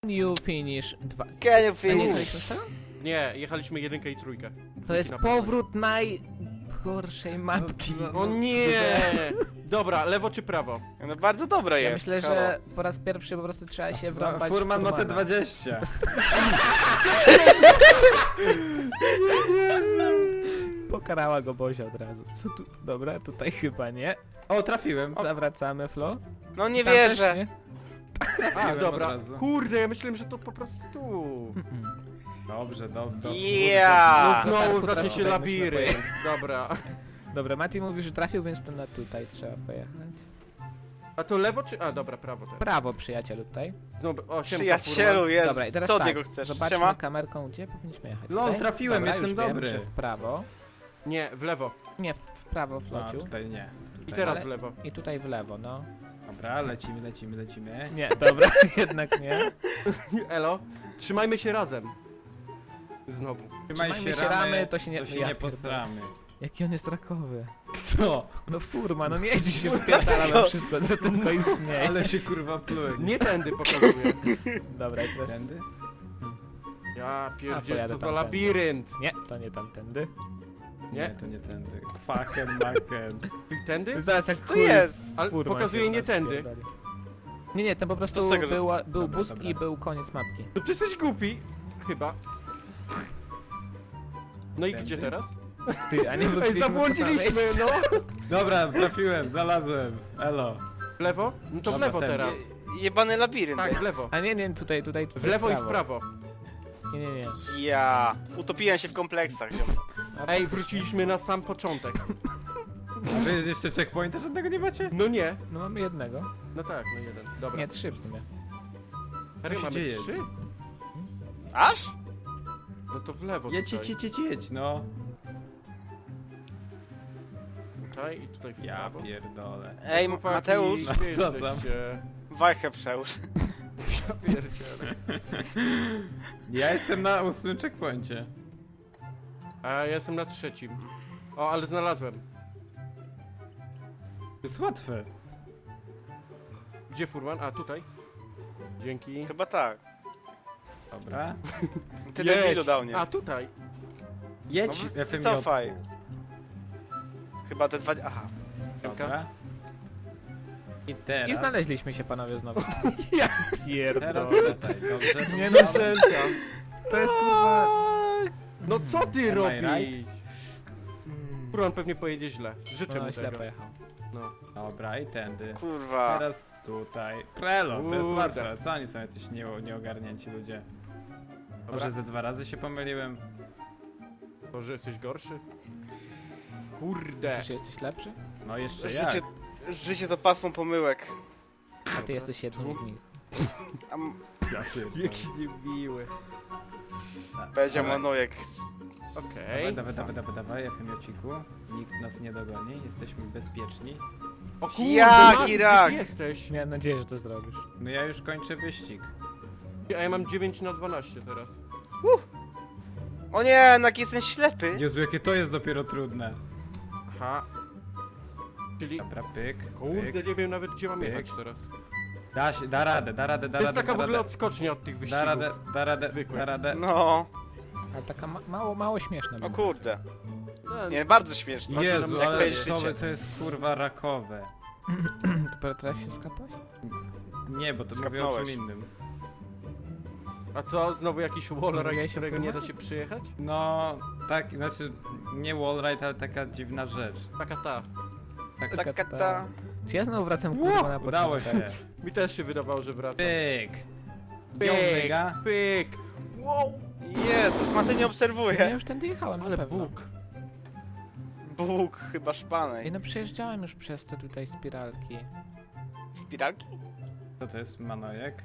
You finish 2. Can you A nie finish? jechaliśmy z tego? Nie, jechaliśmy jedynkę i trójkę. To jest powrót najgorszej mapki. O nie! Dobra, lewo czy prawo? No bardzo dobre Ja jest. myślę, że po raz pierwszy po prostu trzeba się wrąbać w Furman ma te Furmana. 20. Pokarała go Bozia od razu. Co tu? Dobra, tutaj chyba nie. O, trafiłem. Zawracamy, Flo. No nie Tam też wierzę. nie? A, Trafiłem dobra. od razu. Kurde, ja myślałem, że to po prostu tu. Dobrze, dobrze. No Yeah. znowu Tarku zacznie teraz się tutaj labirynt. Dobra. Dobra, Mati mówi, że trafił, więc to na tutaj trzeba pojechać. A to lewo czy... A, dobra, prawo teraz. Prawo, przyjacielu, tutaj. Znowu, o, siemka, Przyjacielu, Furman. jest. Dobra, i teraz Co od tak, niego chcesz? zobaczmy Siema? kamerką, gdzie powinniśmy jechać. Lol, Tutaj? trafiłem, Dobra, jestem już wiem, dobry. że w prawo. Nie, w lewo. Nie, w prawo, A, Flociu. tutaj nie. I teraz Ale- w lewo. I tutaj w lewo, no. Dobra, lecimy. Nie, dobra, jednak nie. Elo, trzymajmy się razem. Znowu. Trzymajmy się ramy, to się nie- to się ja nie pierdolę. posramy. Jaki on jest rakowy. Co? No furma, no nie jeździ się wpierdala na wszystko, co tylko istnieje. Ale się kurwa pluje. Nie tędy pokazuję. Dobra, i teraz... Tędy? Ja A, pierdzielę, pojadę co za tamtędy. labirynt. Nie, to nie tamtędy. Nie, to nie tędy. Fucking maken. Tędy? Zaraz jak Co jest? Ale furman pokazuje się nie nas tędy. pierdoli. Nie, to po To prostu z tego, że- był Dobra, boost dobra. i był koniec mapki. No przecież jesteś głupi. Chyba. No i Tędy? gdzie teraz? Ty, a nie Ej, wróciliśmy po zabłądziliśmy, samej- no! Dobra, trafiłem, znalazłem. Elo. W lewo? No to w Dobra, lewo tędy. teraz. Jebany labirynt. Tak, w lewo. A nie, tutaj W lewo i w prawo. Nie. Ja. Utopiłem się w kompleksach. ziom. Ej, wróciliśmy na sam początek. A wy jeszcze checkpointa żadnego nie macie? No nie. No mamy jednego. No tak, no jeden. Dobra. Nie, 3 w sumie. Serio, się mamy dzieje? 3? Aż? No to w lewo Jedź, tutaj. no. Tutaj i tutaj w Ja prawo. pierdolę. Ej, Chłopaki, Mateusz, gdzie co tam? jesteście? wajchę przełóż. Ja pierdzielę. Ja jestem na 8 checkpoincie. A ja jestem na 3. O, ale znalazłem. To jest łatwe. Gdzie Furman? A, tutaj. Dzięki. Chyba tak. Dobra. Ty Jedź. debilu dał mnie. A, tutaj. Jedź, No, FMJ. wycofaj. Chyba te dwa... Aha. Dobra. I teraz. I znaleźliśmy się panowie znowu. Ja Teraz pierdolę. tutaj, dobrze? Nie no, Szelka. to jest kurwa... No co ty Am I robisz? Furman pewnie pojedzie źle. Życzę No mu źle tego. pojechał. No. Dobra, i tędy. Kurwa. Teraz tutaj. Trello, to jest Kurde. łatwe. Co oni są jacyś nieogarnięci ludzie? Dobra. Może ze 2 razy się pomyliłem? To, że jesteś gorszy? Kurde. Myślisz, że jesteś lepszy? No jeszcze Życie, jak? życie to pasmo pomyłek. A ty jesteś jednym z nich. Ja pierdolę. Jaki niemiły. Powiedział Dawaj. Manojek. Okej. Dawaj, FMJ-ciku. Nikt nas nie dogoni, jesteśmy bezpieczni. O kurde, Jak Mati, Irak. gdzie ty jesteś? Miałem nadzieję, że to zrobisz. No ja już kończę wyścig. A ja mam 9 na 12 teraz. O nie, no jaki jestem ślepy. Jezu, jakie to jest dopiero trudne. Aha. Czyli... Dobra, pyk, Kurde, pyk. nie wiem nawet gdzie mam pyk. jechać teraz. Da radę. To jest taka w ogóle odskocznia od tych wyścigów. Zwykłe. Da radę. No. Ale taka mało śmieszna. O była. kurde. No, Nie, bardzo śmieszne. Jezu, Jak ale twoje życie. to jest kurwa rakowe. Dopiero teraz się skapałeś? Nie, bo to mówię o czym Skapnąłeś. innym. A co, znowu jakiś wallride, Mówiłeś o którego nie da filmach? się przyjechać? No, tak, znaczy nie wallride, ale taka dziwna rzecz. Taka ta. Taka ta. Czy ja znowu wracam kurwa na Udało początek? się. Mi też się wydawało, że wracam. Pyk. Pyk, Mega. pyk. Wow. Jezus, Matej nie Ja obserwuje. już tędy jechałem, Ale na pewno. Bóg. Bóg, chyba Ej, szpanej. no przejeżdżałem już przez te tutaj spiralki. Spiralki? Co to jest Manojek?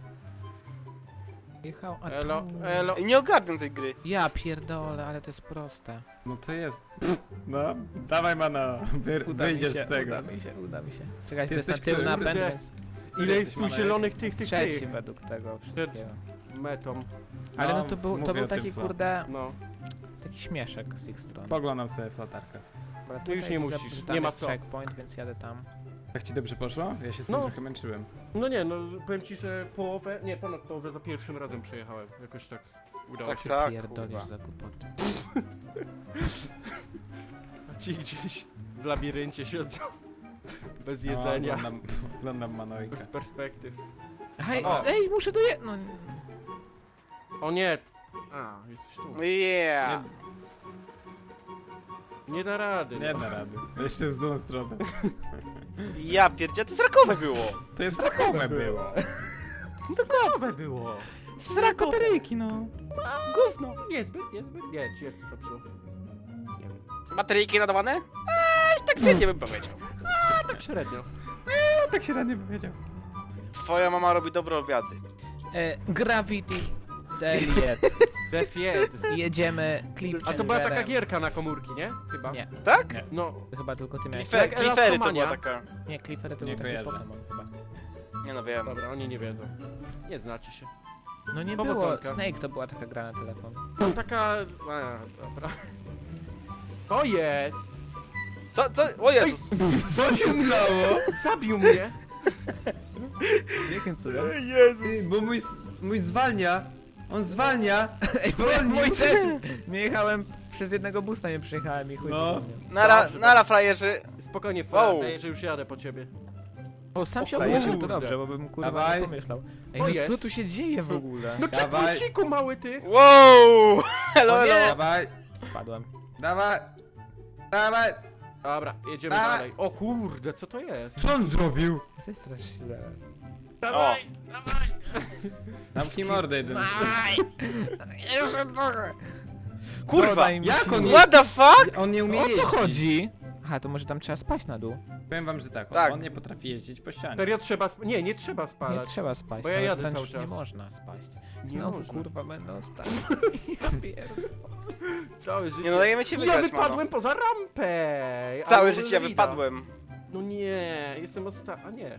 Jechał, a Elo, tu... elo. Ej, nie ogarnę tej gry. Ja pierdolę, ale to jest proste. No to jest. No, dawaj Mana, wyjdziesz z tego. Uda mi się. Czekajcie, to jest Ty na jesteś tył który? napęd, Kurde. więc Ile jest Jesteś tu Manojek? zielonych tych trzeci według tego wszystkiego. metą. Ale no No, to był mówię o tym, taki co. kurde, No. taki śmieszek z ich strony. Poglądam sobie w latarkę. Dobra, No już tutaj nie widzę, musisz, że tam nie ma jest co. checkpoint, więc jadę tam. Tak ci dobrze poszło? Ja się z tym No. trochę męczyłem. No nie, no powiem ci, że połowę, nie, ponad połowę za pierwszym razem przejechałem. Jakoś tak udało Tak, się. tak, Pierdolisz kurwa. za głupoty. A ci gdzieś w labiryncie siedzą. Bez No, jedzenia, oglądam Manojka. bez perspektyw. Hej, O. ej, muszę doje... No, O nie! A, jesteś tu. Yeah. Nie da rady. Nie no. da rady. Jeszcze w złą stronę. Ja pierdzie, to zrakowe było. To jest takowe było. Nowe było. Zrakowe. bateryjki, no. Gówno. Niezbyt. Nie, ci jak to popsuło. Nie wiem. Bateryjki nadawane? Tak średnio bym powiedział. Tak średnio. Tak się radnie powiedział. Twoja mama robi dobre obiady. Gravity Deliet. Defied. Jedziemy clip A to była taka changerem. gierka na komórki, nie? Chyba. Nie, Tak? Nie. No, chyba tylko ty miałeś. Jak Cliffery to Elastomania. była taka... Nie, Cliffery to Nie był taki kojarzę. Pokémon chyba. Nie no wiem. dobra, oni nie wiedzą. Nie znacie się. No nie było, Powodzonka. Snake to była taka gra na telefon. No taka... A, dobra. To jest! Co? O Jezus. Co się stało? Zabił mnie! Jakim cudem? Jezus. Bo mój zwalnia. On zwalnia. Ej, Zwolnił. mój też! Nie jechałem, przez jednego busta nie przejechałem i chuj No. zwolnił. Nara frajerzy. Spokojnie, Wow. że już jadę po ciebie. O, sam się O, obrócił, to kurde. dobrze, bo bym kurwa Dawaj. nie pomyślał. Ej, O, no jest. co tu się dzieje w ogóle? No Dawaj. czekuciku mały ty! Wow. Hello, O nie. hello. Dawaj. Spadłem. Dawaj. Dawaj. Dobra, jedziemy A. dalej. O kurde, co to jest? Co on zrobił? Zestrasz się zaraz. Dawaj, dawaj! Zamknij mordę jeden. Jeszcze trochę. Kurwa. Dodaj mi jak on siły. What the fuck? On nie umie O co jeździć. chodzi? Aha, to może tam trzeba spać na dół. Powiem wam, że tak. Tak. On nie potrafi jeździć po ścianie. Serio trzeba nie, nie trzeba Nie spalać. trzeba spać. Bo ja nawet jadę wręcz cały czas. Nie można spaść. Nie Znowu można. kurwa będę ostatni. Ja pierdolę. Całe życie. Nie no, dajemy ci Ja wygrać, wypadłem mano. poza rampę! Całe Ale życie ja Lida. wypadłem. No nie, jestem ostatni. A nie.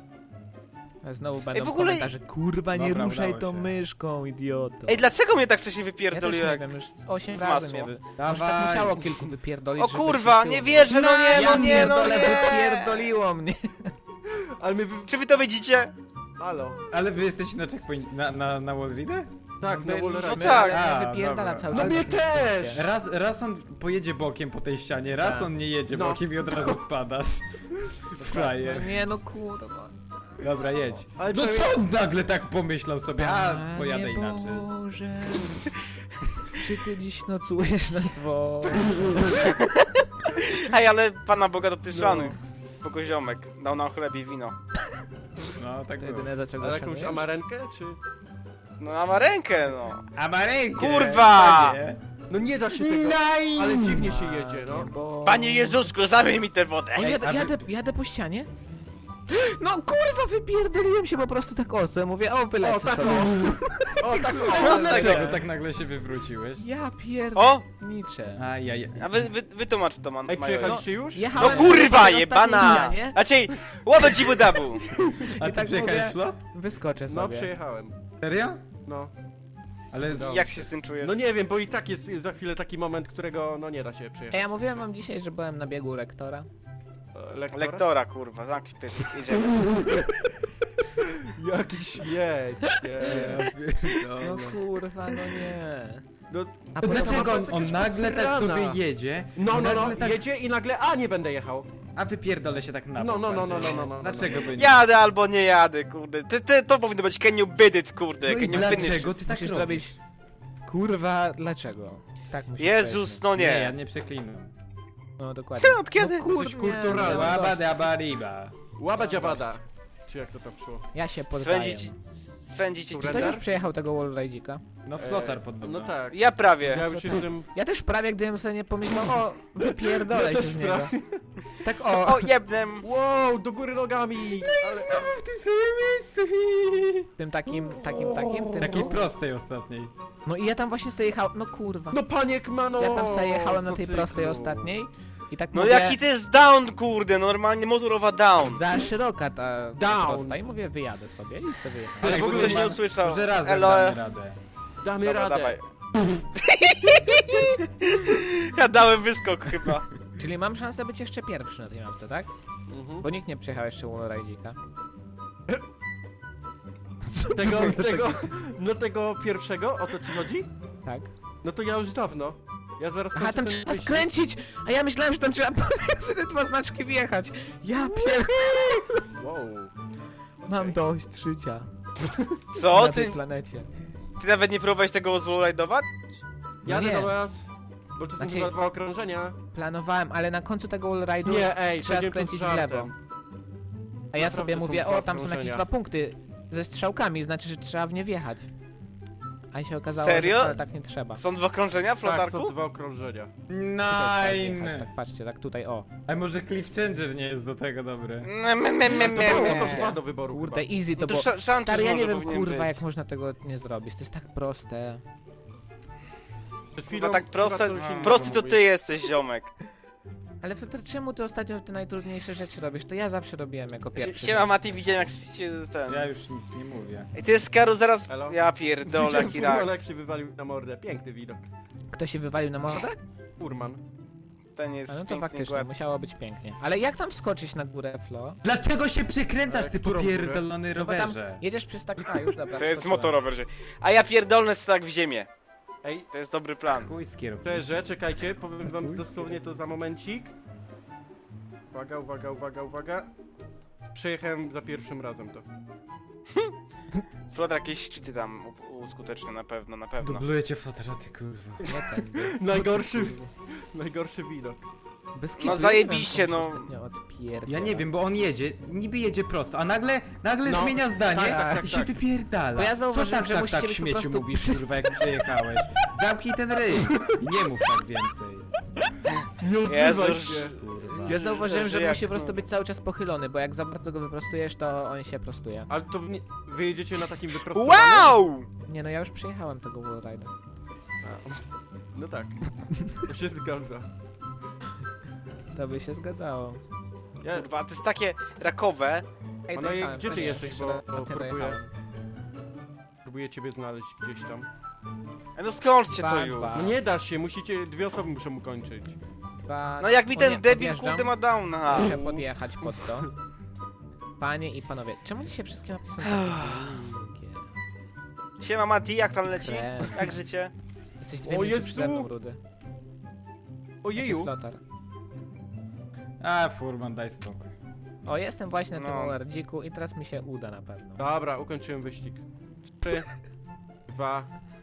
A znowu będą w ogóle- komentarze, kurwa nie Dobra, ruszaj udało tą się. myszką, idioto. Ej, dlaczego mnie tak wcześniej ja też wypierdoliło? nie jak- wiem, już z 8 w razy masło. mnie Może tak Dawaj. musiało kilku wypierdolić, O żeby kurwa, się nie z tyłu- wierzę, no nie, Ja no nie, no pierdolę, nie. wypierdoliło mnie. Ale my Czy wy to widzicie? Halo. Ale wy jesteście na checkpoint, na wallridę? Tak, na Wallride. No tak. ale wypierdala dobra. cały No czas. mnie jak też! się- Raz on pojedzie bokiem po tej ścianie, raz Tak. on nie jedzie No. bokiem i od razu spadasz. No Frajer. nie no kurwa. Dobra, jedź. Ale No przynajmniej- co on nagle tak pomyślał sobie? A, Panie pojadę inaczej. Boże, czy ty dziś nocujesz na dworze? Ej, ale Pana Boga to ty No. szanuj. Spoko ziomek. Dał nam chleb i wino. No, tak To było. jedyne za czego Ale jakąś szanujesz? amarenkę, czy... No a ma rękę, no. A ma rękę! Kurwa! Panie. No nie da się tego, Naj! ale dziwnie się jedzie, no. Bo... Panie Jezusku, zamyj mi tę wodę. O, a wy- jadę po ścianie? No kurwa, wypierdoliłem się po prostu tak o co? Mówię, o wylecę O, tak sobie. O, tak No o, dlaczego tak nagle się wywróciłeś? Ja O! pierniczę. Ajaj. A wytłumacz to, man. Ej, Major. przyjechaliście już? No Jechałem kurwa, sobie na ostatniej jebana! ścianie, Raczej, łowę dzibu dabu! A I ty tak przyjechałeś mówię- w Flo? Wyskoczę No, sobie. przejechałem. Serio? No. Ale... No. Jak się z tym czujesz? No nie wiem, bo i tak jest za chwilę taki moment, którego no nie da się Ej, przejechać. ja mówiłem wam dzisiaj, że byłem na biegu lektora. Lektora? Lektora, kurwa, zamknij pysk, jedziemy. Jakiś jedź, nie. No kurwa, no nie. No, A to potem- Dlaczego jest on jakaś nagle tak posrana. sobie jedzie? No, nagle tak... jedzie i nagle, a nie będę jechał. A wypierdolę się tak na No, bok no, no, bardziej. no, no, no, no, Dlaczego by nie? Jadę albo nie jadę, kurde. To powinno być can you bid it, kurde. No i Can you finish. dlaczego ty tak Musisz robisz? zrobić... Kurwa, dlaczego? Tak musisz Jezus, powiedzieć. no Nie, ja nie. nie przeklinam. No dokładnie. Od kiedy? No, kurwa, Jesteś kulturalny. no, Łaba dość. daba riba. Łaba dziabada. Czy jak to tam szło? Ja się poddaję. Swędzić ci Surrender? Ktoś już przejechał tego wallride'ika? No flotar podobno. No tak. Ja prawie. Ja już jestem... Ja też prawie, gdybym sobie nie pomyślał, o, wypierdolę Ja się też z niego. prawie. Tak o. O, jebnem. Wow, do góry nogami! Ale... w tym samym miejscu. Tym takim. Tym Takiej prostej ostatniej. No i ja tam właśnie sobie jechałem, no kurwa. No paniek mano! Ja tam sobie jechałem na co tej cyklu. prostej ostatniej i tak No mówię, jaki to jest down, kurde, normalnie motorowa down. za szeroka ta Down. prosta i mówię, wyjadę sobie i sobie jechałem. Ale Ej, w ogóle ktoś nie może- usłyszał. Może razem Elo. damy radę. Damy Dobra, radę. dawaj. Ja dałem wyskok chyba. Czyli mam szansę być jeszcze pierwszy na tej mapce, tak? Mhm. Bo nikt nie przejechał jeszcze wallride'ika. Tego pierwszego, o to ci chodzi? Tak. No to ja już dawno. Ja zaraz Aha, kończę tam ten trzeba wyścig. skręcić! A ja myślałem, że tam trzeba pomiędzy te dwa znaczki wjechać. Ja Wow. mam dość życia Co? na tej Ty, planecie. ty nawet nie próbowałeś tego wallride'ować? Jadę nie. do was. Bo to są Znaczy- chyba 2 okrążenia. Planowałem, ale na końcu tego wallride'u Nie, ej, trzeba powiedziałem to z skręcić w lewo. żartem. A ja Naprawdę sobie są mówię, dwa o tam są jakieś okrążenia. 2 punkty ze strzałkami, znaczy, że trzeba w nie wjechać. A się okazało, Serio? że wcale tak nie trzeba. Są 2 krążenia w Tak, flotarku? są 2 okrążenia. Nine! Tak, patrzcie, tak tutaj, o. A może Cliff Changer nie jest do tego dobry? To Nie. dwa do wyboru Kurde, chyba. easy to No to było. szanty Stary, ja może nie wiem, powinien kurwa, być. jak można tego nie zrobić. To jest tak proste. Przed Chyba chwilą tak proste, chyba coś innego prosty to mówię. ty jesteś, ziomek. Ale Filter, czemu ty ostatnio te najtrudniejsze rzeczy robisz? To ja zawsze robiłem jako pierwszy. Siema Mati, widziałem jak się ten... Ja już nic nie mówię. I ty z Karu zaraz... Elo? Ja pierdolę, Widziałem jaki rak. Furmana, jak się wywalił na mordę. Piękny widok. Kto się wywalił na mordę? Furman. Ten jest A no to pięknie faktycznie, gładki. musiało być pięknie. Ale jak tam wskoczyć na górę, Flo? Dlaczego się przekręcasz, ty Którą popierdolony No bo tam rowerze? jedziesz przez tak... A, już dobra, To jest wskoczyłem. motorower. A ja pierdolę tak w ziemię. Ej, To jest dobry plan. Chuj z kierowcą. szczerze, czekajcie, powiem wam dosłownie to za momencik. Uwaga, uwaga, uwaga, uwaga. Przejechałem za pierwszym razem to. Flotar jakieś szczyty tam uskutecznią na pewno, na pewno. Dubluję cię fotera, ty kurwa. Nie ten. Najgorszy widok. Bez No kitu, zajebiście, nie wiem, no. komuś ostatnio odpierdolę. Ja nie wiem, bo on jedzie, niby jedzie prosto, a nagle No, zmienia zdanie tak, i się tak. wypierdala. Bo ja zauważyłem, Co że tak, musicie tak, być po śmieciu prostu mówisz, przystać. kurwa, jak przyjechałeś. Zamknij ten ryj i nie mów tak więcej. Nie odzywaj Jezus. się. Kurwa. Ja zauważyłem, że jak musi po to- prostu być cały czas pochylony, bo jak za bardzo go wyprostujesz, to on się prostuje. Ale to wy jedziecie na takim wyprostowanym? Wow! Nie no, ja już przejechałem tego wallride'a. A, no tak. To się zgadza. To by się zgadzało. Ja, Kurwa, to jest takie rakowe. Ej, no i dojechałem, gdzie ty prawie jesteś, jeszcze bo na tym próbuję- dojechałem. próbuję ciebie znaleźć gdzieś tam. No skończcie to Dwa, już. dwa. No nie da się, musicie, 2 osoby muszą ukończyć. Dwa- No jak mi O ten nie, debil podjeżdżam. kurde ma downa. Muszę podjechać pod to. Panie i panowie, czemu dzisiaj wszystkie mapki są takie długie? Siema Mati, jak tam leci? Krem. Jak życie? Jesteś 2 O minuty Jezu! przede mną, Rudy. Ojeju! Flotar. A, Furman, daj spokój. O, jestem właśnie na tym No. ORD-dziku i teraz mi się uda na pewno. Dobra, ukończyłem wyścig. 3, 2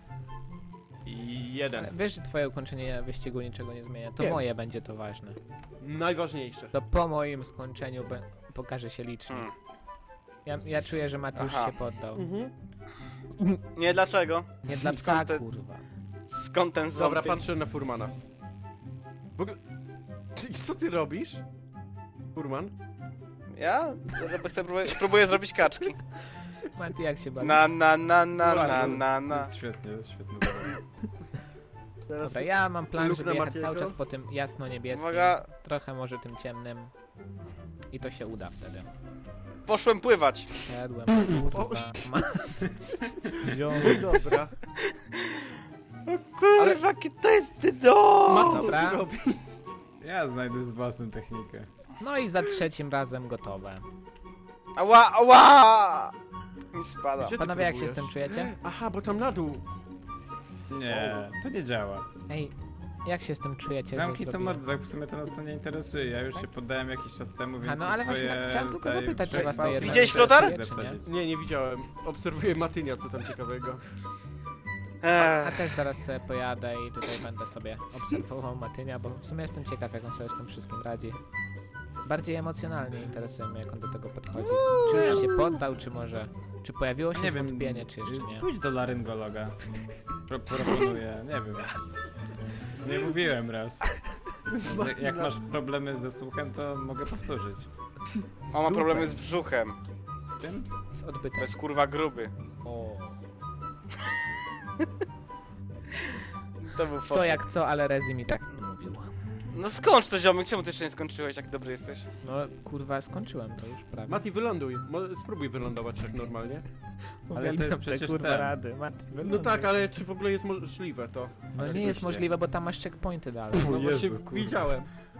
i 1. Ale wiesz, że twoje ukończenie wyścigu niczego nie zmienia. To Wiem. moje będzie to ważne. Najważniejsze. To po moim skończeniu pokaże się licznik. Ja czuję, że Mati już Aha. się poddał. Nie, dlaczego? Nie dla Skąd psa, te- kurwa. Skąd ten Dobra, ząb? patrzę na Furmana. W ogóle... Co ty robisz? Furman? Ja? Próbuję zrobić kaczki. Mati, jak się bawisz? Na. To jest świetnie, świetnie zabawa. Teraz Dobra, ja mam plan, Luk żeby na jechać Matiego? cały czas po tym jasno-niebieskim. Uwaga, Trochę może tym ciemnym. I to się uda wtedy. poszłem pływać. Siadłem, O, kurwa. Ma... Dobra. Kurwa, jakie to jest ty do. Mati, co Dobra. ty robisz? Ja znajdę z własną technikę. No i za trzecim razem gotowe. Ała, ała! Mi spada. Gdzie ty Panowie, jak się z próbujesz? tym czujecie? Aha, bo tam na dół. Nie, to nie działa. Ej, jak się z tym czujecie? że Zamknij to zrobiłem? mordę, tak w sumie to nas to nie interesuje. Ja już się poddałem jakiś czas temu, więc A no, ale swoje właśnie chciałem tylko tutaj zapytać, czy was to przechwałki jednak Widziałeś flotar? interesuje, czy nie? Nie widziałem. Obserwuję Matynia, co tam ciekawego. A też zaraz sobie pojadę i tutaj będę sobie obserwował Matynia, bo w sumie jestem ciekaw, jak on sobie z tym wszystkim radzi. Bardziej emocjonalnie interesuje mnie, jak on do tego podchodzi. Czy już się poddał, czy może... Czy pojawiło się Nie wiem, zwątpienie, czy jeszcze nie? Pójdź do laryngologa. Proponuję, nie wiem. Nie mówiłem raz. Jak masz problemy ze słuchem, to mogę powtórzyć. On ma problemy z brzuchem. Tym? Z To odbytem. jest kurwa gruby. O. To był Co fosy. jak co, ale Rezi mi tak mówił. No skończ to, ziomek, czemu ty jeszcze nie skończyłeś, jak dobry jesteś? No kurwa, skończyłem to już prawie. Mati, wyląduj. Spróbuj wylądować tak normalnie. Ale to jest Uwielbiam te, przecież kurwa ten. rady. Mati, No wyląduj. tak, ale czy w ogóle jest możliwe to? No nie jest Oczywiście. możliwe, bo tam masz checkpointy dalej. No O właśnie Jezu, kurwa. widziałem.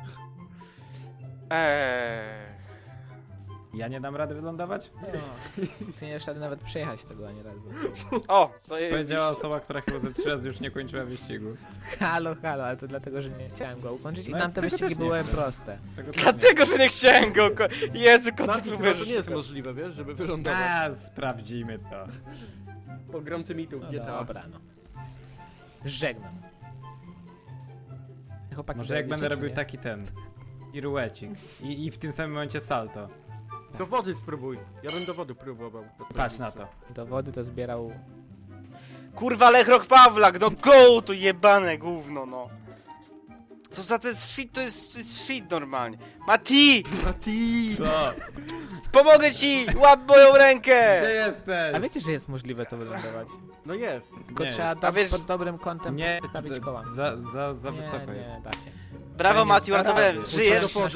Ja nie dam rady wylądować? No. Ty nie jeszcze nawet przejechać tego ani razu. O, Powiedziała osoba, która chyba ze 3 razy już nie kończyła wyścigu. Halo, ale to dlatego, że nie chciałem go ukończyć i No, tamte tego wyścigi też nie były chcę. proste. Tego też Dlatego, że nie chciałem go Jezu, kot, ty Mati, chyba próbujesz to nie jest szukać. możliwe, wiesz, żeby wylądować. A, sprawdzimy to. Pogromcy mitów No GTA. dobra, no. Żegnam. Chłopaki, Może jak dojedziecie, będę czy robił nie? taki ten. Piruecik. I w tym samym momencie salto. Do wody spróbuj. Ja bym do wody próbował. Patrz na to. Do wody to zbierał... Kurwa, Lechrok Pawlak, no go, to jebane gówno, no. Co za ten shit, to jest shit normalnie. Mati! Mati! Co? Pomogę ci! Łap moją rękę! Gdzie jesteś? A wiecie, że jest możliwe to wylądować? No jest. Tylko Nie trzeba jest. A wiesz- pod dobrym kątem Nie, postawić koła. za Nie, wysoko nie, jest. da się. Brawo, Ja nie Mati, da uratowałem. rady. Żyjesz? Do wody.